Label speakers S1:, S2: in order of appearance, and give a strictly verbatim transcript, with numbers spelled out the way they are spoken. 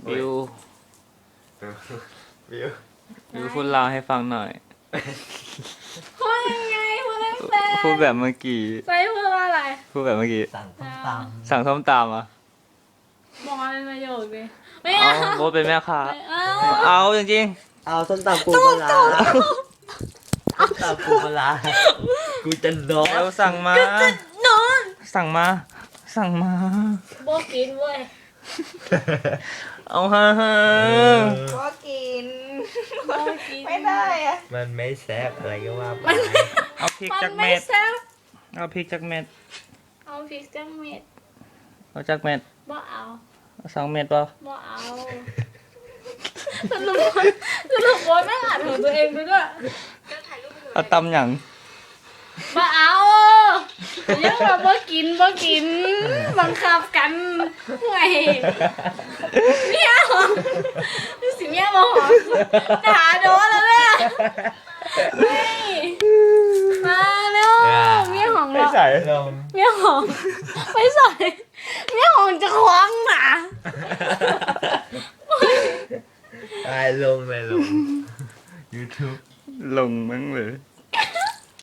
S1: วิว
S2: วิว
S1: วิวพูดลาวให้ฟังหน่อย
S3: พูดยังไงพูดไม่เป็น
S1: พูดแบบเมื่อกี้
S3: ไปพูดว่าอะไร
S1: พูดแบบเมื่อกี้
S2: สั่งส้มตำ
S1: สั่งส้มตำอ่ะ
S3: บอกมาเป็นประโยคดิไม่
S1: เอา
S3: เอา
S1: โบทเป็นแม่ค้า
S3: ไม่เอา
S1: เอาจริง
S2: เอาส้มตำปูปลาร้าส้มตำปูปลาร้ากูจะนอ
S1: ๆ
S2: น
S1: เราสั่งมา
S3: นอน
S1: สั่งมา สั่งมา
S3: โบกินเว้ย
S1: เอาฮะฮะ
S4: ก็กิน
S3: โบกิน
S4: ไม่ได้อะ
S2: มันไม่แซ่บอะไรก็ว่าไป
S1: เอาพริก
S3: มัน
S1: จาก
S3: ไม่
S1: เม็ด
S3: แซ่บ
S1: เอาพริกจากเม็ด
S3: เอาพริกจังเม็ด
S1: เอาจากเม็ด
S3: บ่เอา
S1: เอาสองเม็ดป่ะ
S3: บ่เอาสรุปว่าสรุปว่าไม่อ่านของตัวเองไปด้วย
S1: เอาตำหยัง
S3: บ่เอายังแบบบ่กินบ่กินบังคับกันไงเมียหอมสิเมียบ่หอมด่าโดนแล้วเนี่ยเฮ้ยมาเร็วเมียหอม
S1: ไม่
S3: เรา
S1: ใส่
S2: ลง
S3: เมียหอมไม่ใส่เมียหอมจะคว้างหนา
S2: ไอ้ลงเลยลง YouTube
S1: ลงมั้งเลย